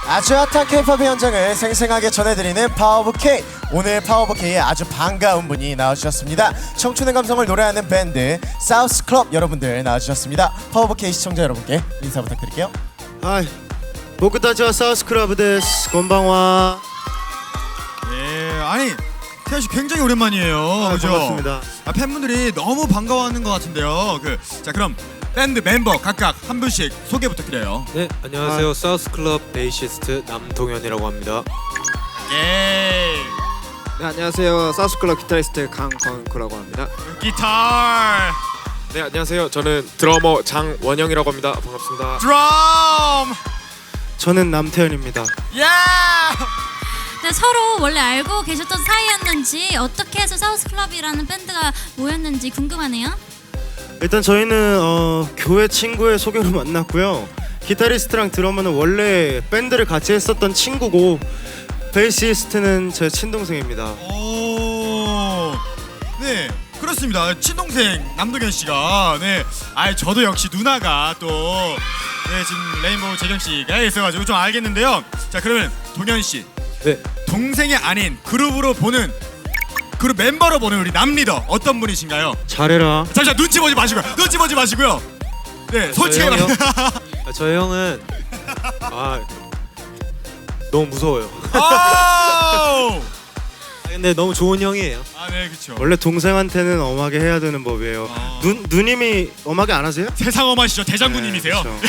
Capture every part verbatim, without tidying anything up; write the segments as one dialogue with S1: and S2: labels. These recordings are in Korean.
S1: 아주 핫한 K-팝의 현장을 생생하게 전해드리는 파워 오브 K. 오늘 파워 오브 K에 아주 반가운 분이 나와주셨습니다. 청춘의 감성을 노래하는 밴드 사우스 클럽 여러분들 나와주셨습니다. 파워 오브 K 시청자 여러분께 인사 부탁드릴게요.
S2: 하이, 보쿠타치와 사우스 클럽 데스. 건방와.
S3: 예, 아니 태연 씨 굉장히 오랜만이에요.
S2: 아,
S3: 그죠?
S2: 반갑습니다.
S3: 아, 팬분들이 너무 반가워하는 것 같은데요. 그, 자 그럼 밴드 멤버 각각 한 분씩 소개 부탁드려요.
S4: 네, 안녕하세요. 사우스클럽 베이시스트 남동현이라고 합니다.
S3: 예.
S5: 네, 안녕하세요. 사우스클럽 기타리스트 강광구라고 합니다.
S3: 기타.
S4: 네, 안녕하세요. 저는 드러머 장원영이라고 합니다. 반갑습니다.
S3: 드럼.
S2: 저는 남태현입니다.
S3: 예.
S6: 네, 서로 원래 알고 계셨던 사이였는지 어떻게 해서 사우스클럽이라는 밴드가 모였는지 궁금하네요.
S2: 일단 저희는 어, 교회 친구의 소개로 만났고요. 기타리스트랑 드러머는 원래 밴드를 같이 했었던 친구고, 베이시스트는 제 친동생입니다.
S3: 오. 네. 그렇습니다. 친동생 남동현 씨가 네. 아, 저도 역시 누나가 또 네, 지금 레인보우 재경 씨가 있어가지고 좀 알겠는데요. 자, 그러면 동현 씨.
S4: 네,
S3: 동생이 아닌 그룹으로 보는 그룹 멤버로 보는 우리 남 리더 어떤 분이신가요?
S2: 잘해라.
S3: 잠시만 눈치 보지 마시고요. 눈치 보지 마시고요. 네, 솔직히
S4: 저희
S3: 말.
S4: 형이요? 아, 저희 형은 아 너무 무서워요.
S3: 아,
S4: 근데 너무 좋은 형이에요.
S3: 아, 네, 그렇죠.
S2: 원래 동생한테는 엄하게 해야 되는 법이에요.
S3: 어.
S2: 누, 누님이 엄하게 안 하세요?
S3: 세상 엄하시죠. 대장군님이세요.
S2: 네,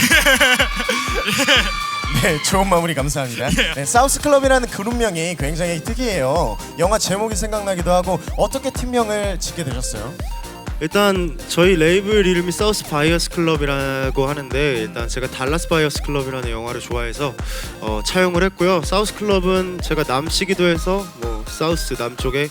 S1: 네, 좋은 마무리 감사합니다. 네, 사우스 클럽이라는 그룹명이 굉장히 특이해요. 영화 제목이 생각나기도 하고 어떻게 팀명을 짓게 되셨어요?
S2: 일단 저희 레이블 이름이 사우스 바이어스 클럽이라고 하는데, 일단 제가 달라스 바이어스 클럽이라는 영화를 좋아해서 어, 차용을 했고요. 사우스 클럽은 제가 남씨기도 해서 뭐 사우스 남쪽에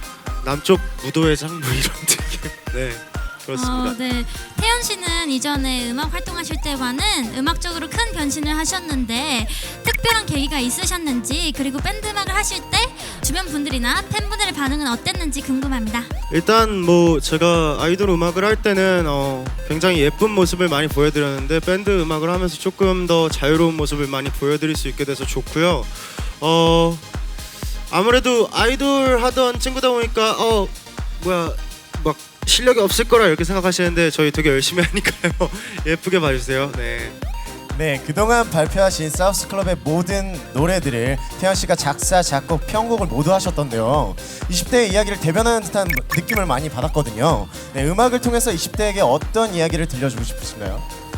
S2: 남쪽 무도회장 뭐 이런 느낌. 네, 그렇습니다.
S6: 어, 네. 태연 씨는 이전에 음악 활동하실 때와는 음악적으로 큰 변신을 하셨는데 특별한 계기가 있으셨는지, 그리고 밴드 음악을 하실 때 주변 분들이나 팬분들의 반응은 어땠는지 궁금합니다.
S2: 일단 뭐 제가 아이돌 음악을 할 때는 어, 굉장히 예쁜 모습을 많이 보여드렸는데, 밴드 음악을 하면서 조금 더 자유로운 모습을 많이 보여드릴 수 있게 돼서 좋고요. 어, 아무래도 아이돌 하던 친구다 보니까 어 뭐야 막 실력이 없을 거라 이렇게 생각하시는데 저희 되게 열심히 하니까요. 예쁘게 봐주세요. 네.
S1: 네, 그동안 발표하신 사우스 클럽의 모든 노래들을 태연 씨가 작사, 작곡, 편곡을 모두 하셨던데요. 이십 대의 이야기를 대변하는 듯한 느낌을 많이 받았거든요. 네, 음악을 통해서 이십 대에게 어떤 이야기를 들려주고 싶으신가요?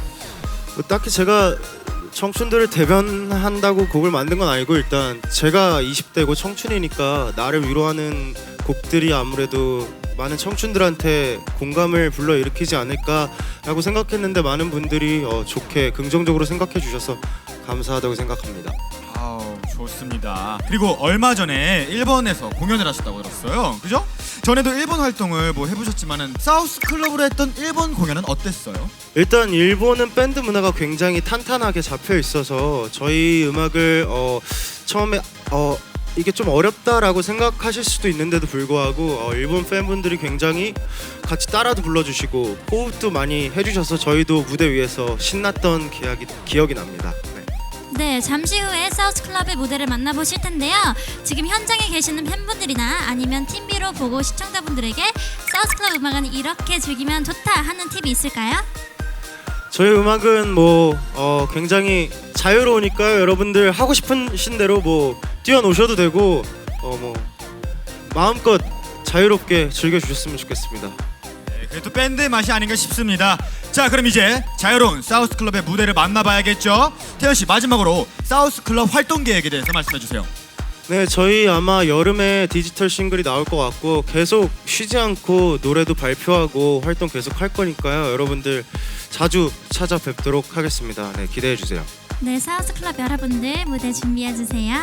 S2: 뭐 딱히 제가 청춘들을 대변한다고 곡을 만든 건 아니고, 일단 제가 이십 대고 청춘이니까 나를 위로하는 곡들이 아무래도 많은 청춘들한테 공감을 불러일으키지 않을까라고 생각했는데, 많은 분들이 어, 좋게 긍정적으로 생각해 주셔서 감사하다고 생각합니다.
S3: 아우, 좋습니다. 그리고 얼마 전에 일본에서 공연을 하셨다고 들었어요. 그죠? 전에도 일본 활동을 뭐 해보셨지만은 사우스 클럽으로 했던 일본 공연은 어땠어요?
S2: 일단 일본은 밴드 문화가 굉장히 탄탄하게 잡혀 있어서 저희 음악을 어, 처음에 어, 이게 좀 어렵다라고 생각하실 수도 있는데도 불구하고 어, 일본 팬분들이 굉장히 같이 따라도 불러주시고 호흡도 많이 해주셔서 저희도 무대 위에서 신났던 기억이, 기억이 납니다. 네.
S6: 네, 잠시 후에 사우스클럽의 무대를 만나보실 텐데요. 지금 현장에 계시는 팬분들이나 아니면 티비로 보고 시청자분들에게 사우스클럽 음악은 이렇게 즐기면 좋다 하는 팁이 있을까요?
S2: 저희 음악은 뭐 어, 굉장히 자유로우니까요. 여러분들 하고 싶으신 대로 뭐 뛰어노셔도 되고 어, 뭐 마음껏 자유롭게 즐겨주셨으면 좋겠습니다.
S3: 네, 그게 또 밴드의 맛이 아닌가 싶습니다. 자, 그럼 이제 자유로운 사우스 클럽의 무대를 만나봐야겠죠. 태연 씨, 마지막으로 사우스 클럽 활동 계획에 대해서 말씀해 주세요.
S2: 네, 저희 아마 여름에 디지털 싱글이 나올 것 같고 계속 쉬지 않고 노래도 발표하고 활동 계속 할 거니까요. 여러분들 자주 찾아뵙도록 하겠습니다. 네, 기대해 주세요.
S6: 네, 사우스클럽 여러분들 무대 준비해주세요.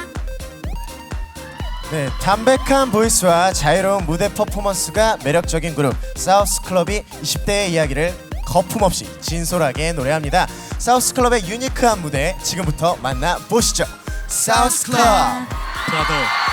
S1: 네, 담백한 보이스와 자유로운 무대 퍼포먼스가 매력적인 그룹 사우스 클럽이 이십 대의 이야기를 거품없이 진솔하게 노래합니다. 사우스 클럽의 유니크한 무대 지금부터 만나보시죠. 사우스 클럽.
S3: 브라더.